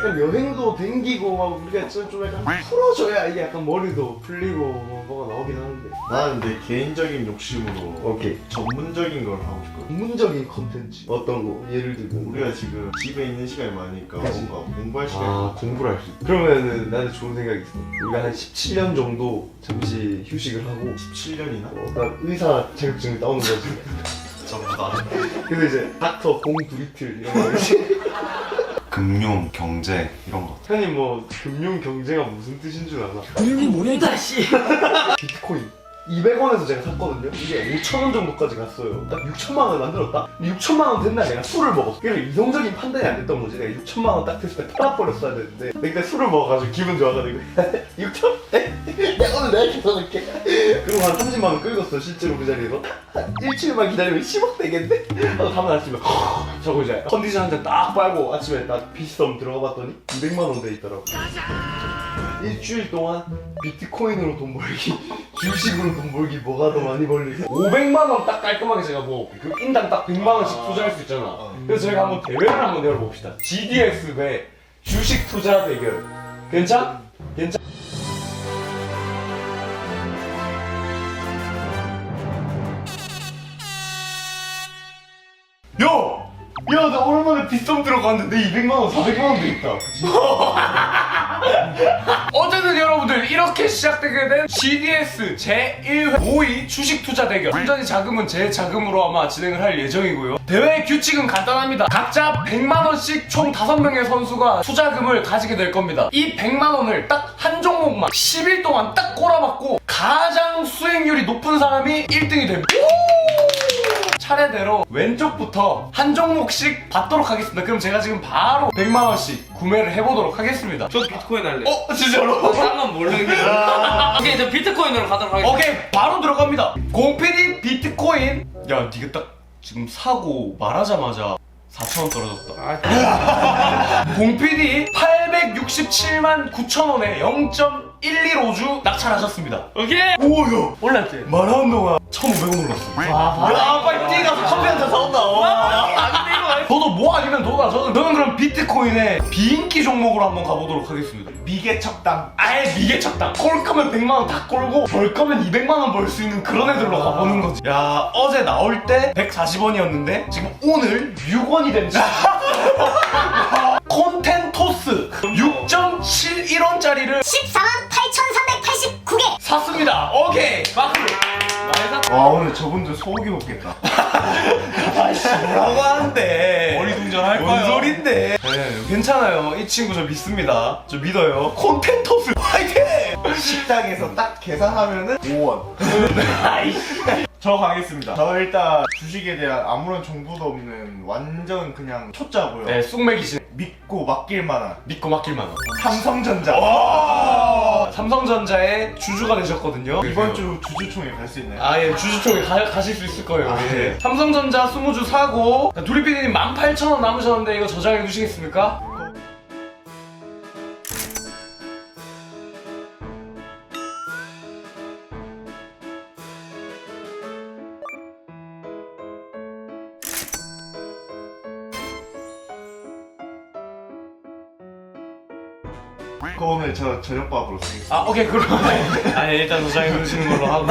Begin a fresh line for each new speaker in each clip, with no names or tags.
약간 여행도 댕기고 막 우리가 좀 약간 풀어줘야 이게 약간 머리도 풀리고 뭐가 나오긴 하는데.
나는 내 개인적인 욕심으로
오케이.
전문적인 걸 하고 싶거든.
전문적인 컨텐츠 어떤 거 예를 들면
우리가 지금 집에 있는 시간이 많으니까
그치.
뭔가 공부할 시간이
공부를 할 수 있어. 그러면은 나는 좋은 생각이 있어. 우리가 한 17년 정도 잠시 휴식을 하고
17년이나?
나 의사 자격증을 따오는 거지.
전부 다
그래서 이제 닥터 공두리틀 이런 거 있지.
금융, 경제 이런 거.
형님 뭐 금융 경제가 무슨 뜻인 줄 아나?
금융이 뭐야 이 자식.
비트코인 200원에서 제가 샀거든요. 이게 5,000원 정도까지 갔어요. 딱 6천만 원을 만들었다? 6천만 원 된 날 내가 술을 먹었어. 그래서 이성적인 판단이 안 됐던 거지. 내가 6천만 원 딱 됐을 때 팔아버렸어야 되는데 내가 술을 먹어가지고 기분 좋아가지고 6천? 내가 오늘 내가 계산할게. 그리고 한 30만 원 끌었어 실제로 그 자리에서. 한 일주일만 기다리면 10억 되겠네? 하고 다음날 아침에 저거 이제 컨디션 한 잔 딱 빨고 아침에 딱 피시섬 들어가 봤더니 200만 원 돼 있더라고. 일주일 동안 비트코인으로 돈 벌기, 주식으로 돈 벌기 뭐가 더 많이 벌리지? 500만 원 딱 깔끔하게 제가 뭐 그 인당 딱 100만 원씩 투자할 수 있잖아. 그래서 저희가 한번 대회를 한번 열어봅시다. GDX 배 주식 투자 대결. 괜찮? 괜찮? 야! 야, 나 오랜만에 빗썸 들어갔는데 200만 원, 400만 원도 있다. 어쨌든 여러분들 이렇게 시작되게 된 GDS 제1회 5위 주식 투자 대결. 순전히 자금은 제 자금으로 아마 진행을 할 예정이고요. 대회 규칙은 간단합니다. 각자 100만 원씩 총 5명의 선수가 투자금을 가지게 될 겁니다. 이 100만 원을 딱 한 종목만 10일 동안 딱 꼬라박고 가장 수익률이 높은 사람이 1등이 됩니다. 차례대로 왼쪽부터 한 종목씩 받도록 하겠습니다. 그럼 제가 지금 바로 100만 원씩 구매를 해보도록 하겠습니다.
저 비트코인 할래.
진짜로?
딴건 모르겠는데. 오케이 저 비트코인으로 가도록 하겠습니다.
오케이, 바로 들어갑니다. 공PD 비트코인. 야, 니가 딱 지금 사고 말하자마자 4,000원 떨어졌다. 공PD 867만 9천원에 0.115주 낙찰하셨습니다.
오케이.
오야,
올랐지.
말하는 동안 1,500원 올랐어. 야, 빨리 뛰가서 커피 한잔 사온다. 저도 뭐 아니면 도다. 저는 그럼 비트코인의 비인기 종목으로 한번 가보도록 하겠습니다.
미개척당.
아예 미개척당. 꼴 거면 100만 원 다 꼴고 벌 거면 200만 원 벌 수 있는 그런 애들로 가보는 거지. 야, 어제 나올 때 140원이었는데 지금 오늘 6원이 됐지. 콘텐토스 6.71원짜리를
148,389개
샀습니다. 오케이, 마크.
와 오늘 저분들 소고기 먹겠다.
아이씨, 뭐라고 하는데.
어리둥절할
뭔
거예요.
소린데. 네, 괜찮아요. 이 친구 저 믿습니다. 저 믿어요. 콘텐토스 화이팅!
식당에서 딱 계산하면은 5원.
아이씨.
저 가겠습니다. 저 일단 주식에 대한 아무런 정보도 없는 완전 그냥 초짜고요.
네, 쑥맥이신.
믿고 맡길 만한
믿고 맡길만 한.
삼성전자.
삼성전자의 주주가 되셨거든요.
이번 주 주주총회 갈 수 있나요?
아, 예, 주주총회 가실 수 있을 거예요.
아,
예.
네.
삼성전자 20주 사고, 두리피디님 18,000원 남으셨는데 이거 저장해 두시겠습니까?
그거 오늘 저 저녁밥으로 쓰겠습니다.
아, 오케이, 그럼. 아니, 일단 저장해 두시는 걸로 하고.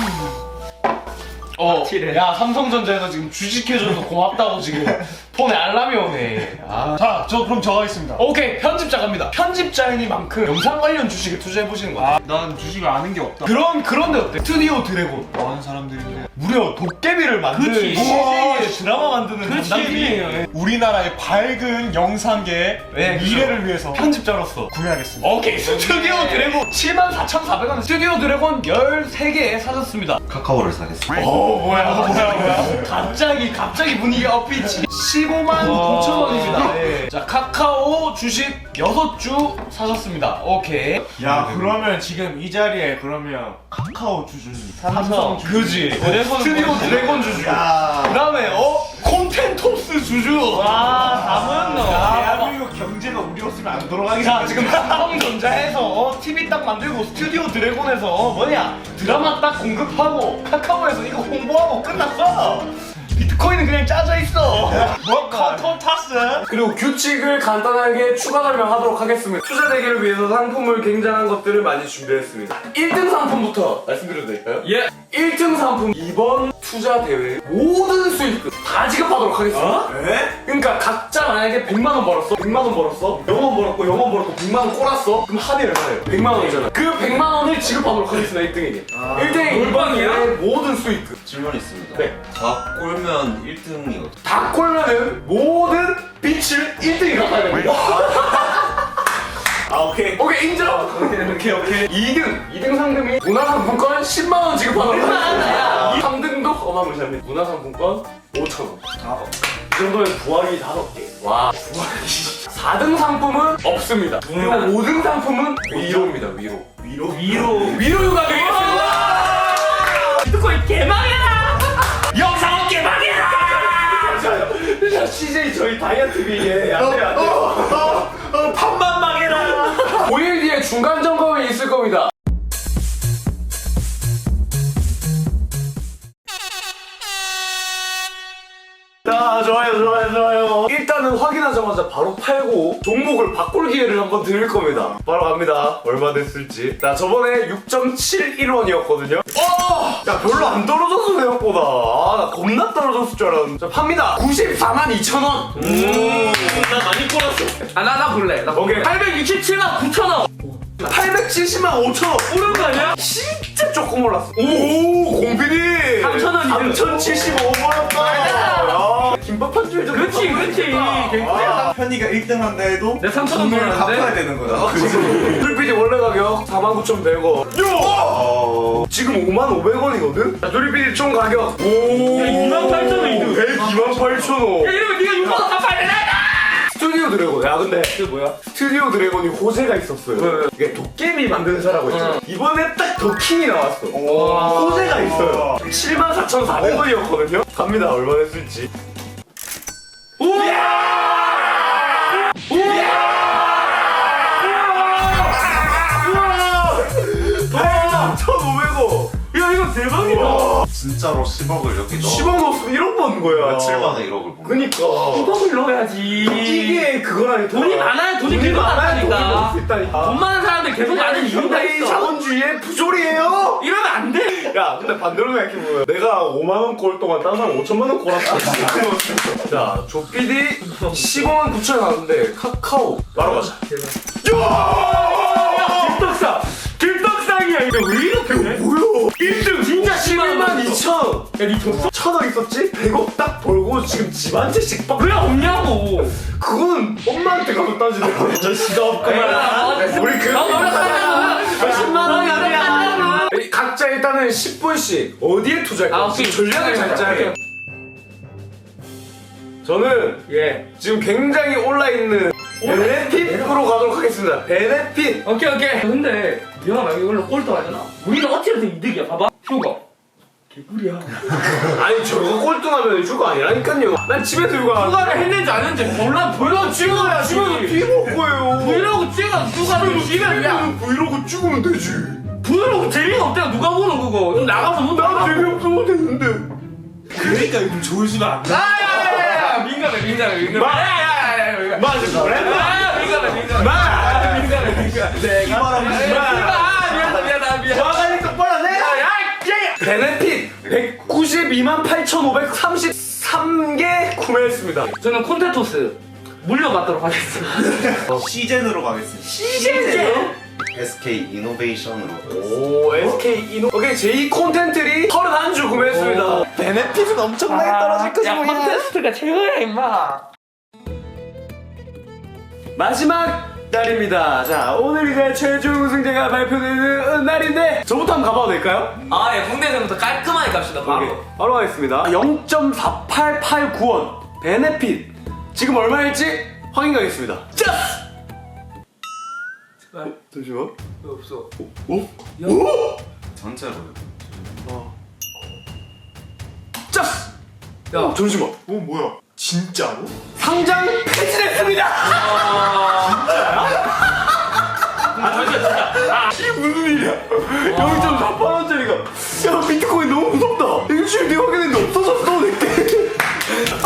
야, 삼성전자에서 지금 주식해줘서 고맙다고 지금 폰에 알람이 오네. 아.
자, 그럼 저 가겠습니다.
오케이, 편집자 갑니다. 편집자이니만큼 영상 관련 주식에 투자해보시는 거 같아요.
난 주식을 아는 게 없다.
그런데 어때? 스튜디오 드래곤.
뭐 하는 사람들인데.
무려 도깨비를 만드는
그치.
CJ의 드라마 만드는
그치.
담당팀이에요.
우리나라의 밝은 영상계의
네,
미래를 위해서
편집자로서
구매하겠습니다.
오케이, 스튜디오 드래곤 74,400원 스튜디오 드래곤 13개 사셨습니다.
카카오를 사겠습니다.
오, 뭐야. 갑자기 분위기가 업비치. 15만 9천 원입니다. 네. 자, 카카오 주식 6주 사셨습니다. 오케이.
야, 그러면 지금 이 자리에 그러면 카카오 주주님, 삼성 주주님.
그지. 스튜디오 드래곤 주주.
야,
그 다음에, 콘텐토스 주주.
와, 다 모였노.
대한민국 경제가 우리였으면 안 돌아가겠어.
자, 지금 삼성전자에서 TV 딱 만들고 스튜디오 드래곤에서 드라마 딱 공급하고 카카오에서 이거 홍보하고 끝났어. 비트코인은 그냥 잘 짜져 있어.
뭐 컨톤 타스.
그리고 규칙을 간단하게 추가 설명하도록 하겠습니다. 투자 대결을 위해서 상품을 굉장한 것들을 많이 준비했습니다. 1등 상품부터 말씀드려도 될까요?
예.
1등 상품 이번 투자 대회 모든 수익금 다 지급하도록 하겠습니다. 그러니까 각자 만약에 100만 원 벌었어, 100만 원 벌었어, 0원 벌었고 0원 벌었고 100만 원 꼬랐어. 그럼 합이 얼마예요? 100만 원이잖아. 그 100만 원을 지급하도록 하겠습니다. 1등에게. 1등에 이번 대회 모든 수익금.
질문 있습니다.
네.
다 꼴면 1등이거든.
다 꼴면은 모든 빚을 1등이 갚아야 됩니다.
아 오케이.
오케이 인정. 오케이. 2등 상금이 문화상품권 10만 원 지급하도록 하겠습니다. 3등도 어마무시합니다. 문화상품권 5천 원. 이 정도면 부활이 5개. 와 부활이. 4등 상품은 없습니다. 5등 상품은 위로입니다. 위로 휴가 되겠습니다.
비트코인 개망해라. 영상은 개망해라.
자, CJ 저희 다이어트 비에 안돼.
판만 망해라.
5일 뒤에 중간 점검이 있을 겁니다.
자 좋아요.
일단은 확인하자마자 바로 팔고 종목을 바꿀 기회를 한번 드릴 겁니다.
바로 갑니다. 얼마 됐을지.
자, 저번에 6.71원이었거든요. 야, 별로 안 떨어졌어, 생각보다. 아, 나 겁나 떨어졌을 줄 알았는데. 자, 팝니다. 94만 2천 원.
나 많이 꼬랐어. 나 볼래. 나
오케이.
867만 9천 원.
870만 5천 원.
오른 거 아니야?
진짜 조금 올랐어. 오, 공빈이.
3,000원
3,075원 올랐다. 김밥 한 줄 좀.
그렇지.
아, 편의가 1등 한다 해도
내 3,000원
돈을 갚아야
벌었는데.
되는 거잖아.
풀피디 원래 가격 49,100원. 지금 5,500원이거든? 자, 조리피디 총 가격. 오.
28,000원.
128,000원.
야 이러면 네가 6만 원 갚아야 되나?
스튜디오 드래곤. 야 근데 그 뭐야? 스튜디오 드래곤이 호재가 있었어요. 이게 도깨비 만드는 사라고 있잖아. 이번에 딱 더킹이 나왔어. 호재가 있어요. 74,400원이었거든요. 갑니다. 얼마 됐을지. 우야! 1,500원. 야 이거 대박이다.
진짜로 10억을 이렇게 넣어.
10억 넣었으면 1억 버는 거야.
며칠 만에 1억을 번.
그니까.
9억을 넣어야지.
이게 그거라니.
돈이 많아야 돈이 계속
많아야 돈이
많다니까.
벌 수 있다니까.
돈 많은 사람들 계속 많은 이유가
이
있어.
자본주의의 부조리예요.
이러면 안 돼.
야, 근데 반대로 생각해보면 내가 5만원 꼴 동안 다른 사람 5천만원 꼴았어. 자, 조피디 15만 9천 나왔는데 카카오 바로 가자.
길떡상이야. 이거 왜 이렇게 돼?
뭐야?
1등 진짜
11만 2천.
야니 줬어?
1,000원 있었지? 100억 딱 벌고 지금 집 한 채씩 빡.
왜 없냐고.
그건 엄마한테 가서 따지는 거야. 저 시가 없구나. 우리 그
몇십만 원이 아니야.
각자 일단은 10분씩 어디에 투자할까?
아, 오케이.
전략을 잘 짜야 돼. 저는
예.
지금 굉장히 올라있는 베네핏으로 가도록 하겠습니다. 베네핏.
오케이. 근데 내가 만약에 이걸로 꼴등하잖아. 우리는 어찌됐든 이득이야. 봐봐. 휴가. 개꿀이야.
아니 저거 꼴등하면 휴가 아니라니까요. 난 집에서 휴가.
휴가를 했는지 안 했는지 몰라. 브이로그 찍어야지.
집에서 뒤먹을 거예요.
브이로그 찍어. 휴가를 찍으면 야.
브이로그 찍으면 되지.
브이로그 재미가 없대요. 누가 보는 그거. 그럼 나가서 뭐
난 재미없어도 되는데.
그러니까 요즘 조회수가 안 나.
야야야야. 민감해. 야야야야.
맞아 그래?
미안하다.
화관이 똑바로 내. 베네핏 192만 8,533개 구매했습니다.
저는 콘테토스 물려받도록 하겠습니다.
시젠으로 가겠습니다.
SK 이노베이션으로.
오 SK 이노. 오케이 제2 콘텐츠리 31주 구매했습니다.
베네핏은 엄청나게 떨어질 거지
야,
뭐야.
콘테스트가 최고야 임마.
마지막 날입니다. 자 오늘 이제 최종 우승자가 발표되는 날인데 저부터 한번 가봐도 될까요?
아, 예, 홍대에서부터 깔끔하게 갑시다.
오케이, 바로 하겠습니다. 0.4889원 베네핏 지금 얼마일지 확인 가겠습니다. 짜스! 잠시만.
없어.
전체로요.
짜스! 야 잠시만.
뭐야? 진짜로?
상장 폐지됐습니다. 이게 무슨 일이야? 0.48원짜리가 야 비트코인 너무 무섭다. 일주일 뒤에 확인했는데 없어졌어 내게.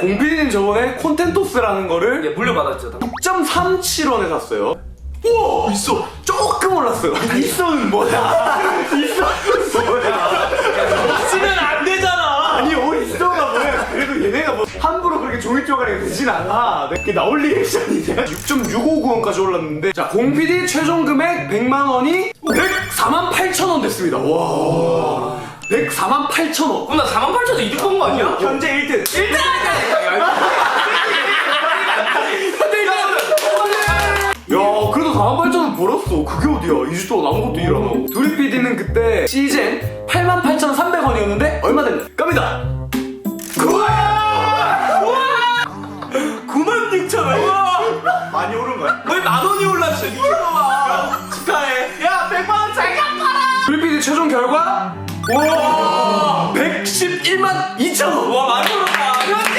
공PD님 저번에 콘텐토스라는 거를
예, 물려받았죠.
6.37원에 샀어요. 우와! 있어! 조금 올랐어요. 있어는 뭐야? 있어는 뭐야?
쓰면 안 되잖아.
아니, 있어가 뭐야? 그래도 얘네가 뭐 함부로 그렇게 종이 쪼가리가 되진 않아. 그게 나올 리액션이냐? 6.659원까지 올랐는데, 자, 공PD 최종 금액 100만원이 148,000원 됐습니다. 와. 148,000원.
그럼 나 48,000원 이득 본 거 아니야?
현재 1등.
1등!
야, 그래도 48,000원 벌었어. 그게 어디야? 2주 동안 아무것도 일 안 하고. 두리 PD는 그때 시즌 88,300원이었는데 얼마 됐나? 갑니다.
96,000원.
많이 오른 거야?
왜 10,000원이 올랐어? 미친놈아. 축하해. 야 100만원 잘 갚아라.
두리 PD 최종 결과 와 111만 2천원.
와 많이 올랐다.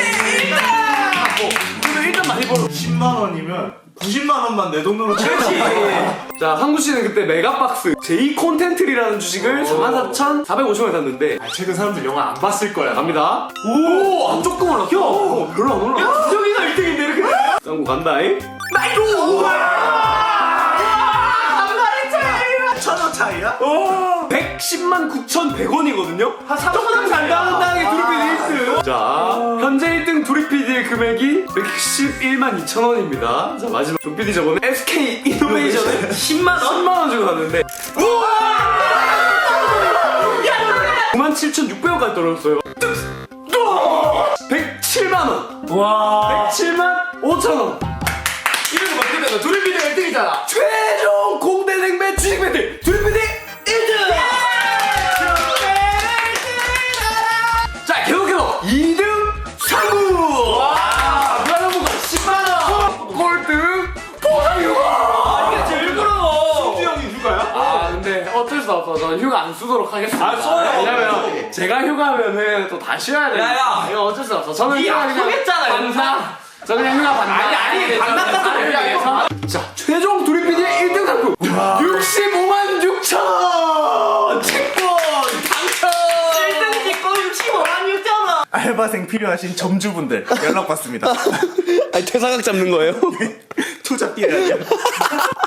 그래도 일단 많이 벌어.
10만 원이면 90만 원만 내 돈으로
그렇지.
자, 한구 씨는 그때 메가박스 제2 콘텐트리라는 주식을 44,450원에 샀는데
최근 사람들 영화 안 봤을 거야.
갑니다. 오, 안 조금 올랐어. 별로 안 올랐어.
저기가 1등인데 이렇게.
짱구 간다잉.
천원 차이야?
110만 9,100원이거든요? 한 3,000원 간당당하게 두리피디 1등. 자, 현재 1등 두리피디의 금액이 111만 2천원입니다. 자, 마지막 두리피디 저번에 SK 이노베이션에 10만원? 10만원 주고 샀는데 97,600원까지 떨어졌어요. 107만원!
와.
107만 5천원!
이래서 막 끝내서 두리비디가 1등이잖아.
최종 공대생배 주식 배틀 두리피디 1등! 자, 계속해서 2등 상구! 와! 무한정부가 10만원! 꼴등 보상휴가!
이게 제일 부러워.
수지 형이 휴가야?
아, 근데 어쩔 수 없어. 저는 휴가 안 쓰도록 하겠습니다.
아, 써요.
왜냐면 제가 휴가하면은 또 다 쉬어야 돼요.
야.
이거 어쩔 수 없어. 저는
니
휴가 그냥
아프겠잖아,
반나. 저 그냥 휴가 반나.
아니, 반납 같은 거
위해서. 자, 최종 두리피디의 1등 상품 65만 6천원! 채권 당첨!
1등 찍고 65만 6천원.
알바생 필요하신 점주분들 연락 받습니다.
아니, 퇴사각 잡는 거예요?
투자 삐야.